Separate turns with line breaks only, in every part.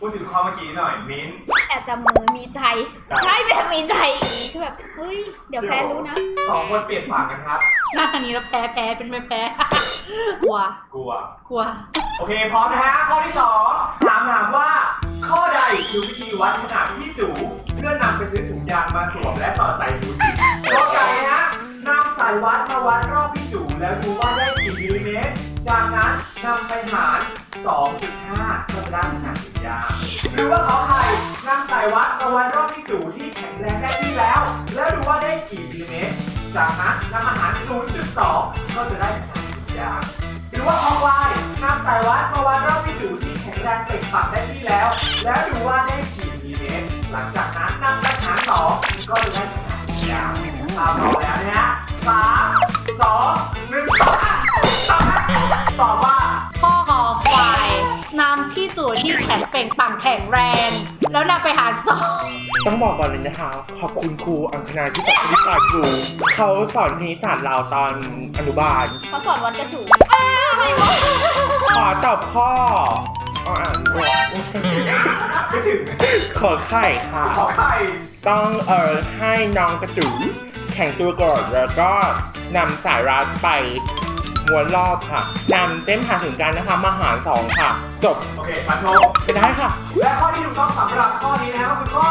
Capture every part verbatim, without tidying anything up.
พูดถึงข้อเมื่อกี้หน่อยมิ้น
แอบจับมือมีใจใช่แบบมีใจอย่างนี้คือแบบเฮ้ยเดี๋ยวแพ้รู้นะ
สองคนเปลี่ยนฝั่งกันครับ
หน้าทางนี้เราแพ้แพ้เป็นไม่แพ้ กลัว
กลัว
กลัว
โอเคพร้อมนะฮะข้อที่สองถามถามว่า ข้อใดคือวิธีวัดขนาดพี่จูเพื่อนำไปซื้อถุงยางมาสวมและสอดใส่หูจิข้อไก่นะฮะนำสายวัดมาวัดรอบพี่จูแล้วดูว่าได้กี่มิลลิเมตรจากนั้นนำไปหาร สองจุดห้า ก็จะได้ขนาดถุงยางหรือว่าขอไข่นำสายวัดมาวัดรอบพี่จูที่แข็งแรงได้ที่แล้ว แล้วดูว่าได้กี่มิลลิเมตรจากนั้นนำมาหาร ศูนย์จุดสอง ก็จะได้ขนาดถุงยางหรือว่าคอควายนำสายวัดมาวัดรอบพี่จูที่แข็งแรงเต็มปากได้ที่แล้ว แล้วดูว่าได้กี่มิลลิเมตรหลังจากนั้นนำไปหารสองก็จะได้ขนาดถุงยางตามเราแล้วนะฮะสามสองหนึ่งตอบตอบตอบว่า
ข้อคอควายนำพี่จูที่แข็งเป่งปังแข็งแรง แล้วนำไปหารสอง
ต้องบอกก่อนเลยนะคะ ขอบคุณครูอังคณาที่สอนคณิตศาสตร์ครูเขาสอนคณิตศาสตร์เราตอนอนุบาล
เขาสอนวัดกระจู
ขอตอบข้ออ๋ออ่านด้วย
ไม่ถึง
ขอไข่ค่ะ
ขอไข่
ต้องเอ่อให้น้องกระจูแข่งตัวก่อนแล้วก็นำสายรัดไปม้วนรอบค่ะนำเส้นผ่าศูนย์กลางนะคะมาหารสองค่ะ จบ
โอเคมาโชว์
ไปได้ค่ะ
และข้อที่ถูกต้องสำหรับข้อนี้นะก็คือข้อ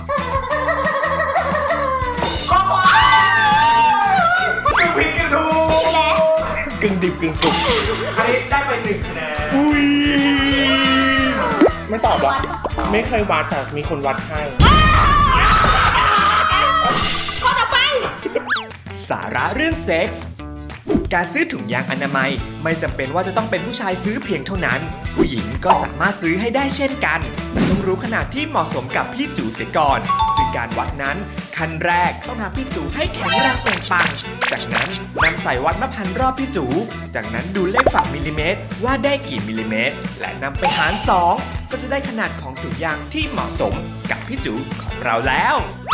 ข้อควายกึ่งผิดกึ่งถูก
และ
กึ่งดิบกึ่งสุก
อันนี้ได้ไปหนึ่งคะแนน
อุ้ยไม่ตอบหรอไม่เคยวัดแต่มีคนวัดให้
ข้อต่อไป
สาระเรื่องเซ็กส์ การซื้อถุงยางอนามัยไม่จำเป็นว่าจะต้องเป็นผู้ชายซื้อเพียงเท่านั้น ผู้หญิงก็สามารถซื้อให้ได้เช่นกันแต่ต้องรู้ขนาดที่เหมาะสมกับพี่จูเสียก่อน ซึ่งการวัดนั้นขั้นแรกต้องทำพี่จูให้แข็งแรงเปล่งปลังจากนั้นนำสายวัดมาพันรอบพี่จูจากนั้นดูเลขฝั่งมิลลิเมตรว่าได้กี่มิลลิเมตร และนำไปหารสองก็จะได้ขนาดของถุงยางที่เหมาะสมกับพี่จูของเราแล้ว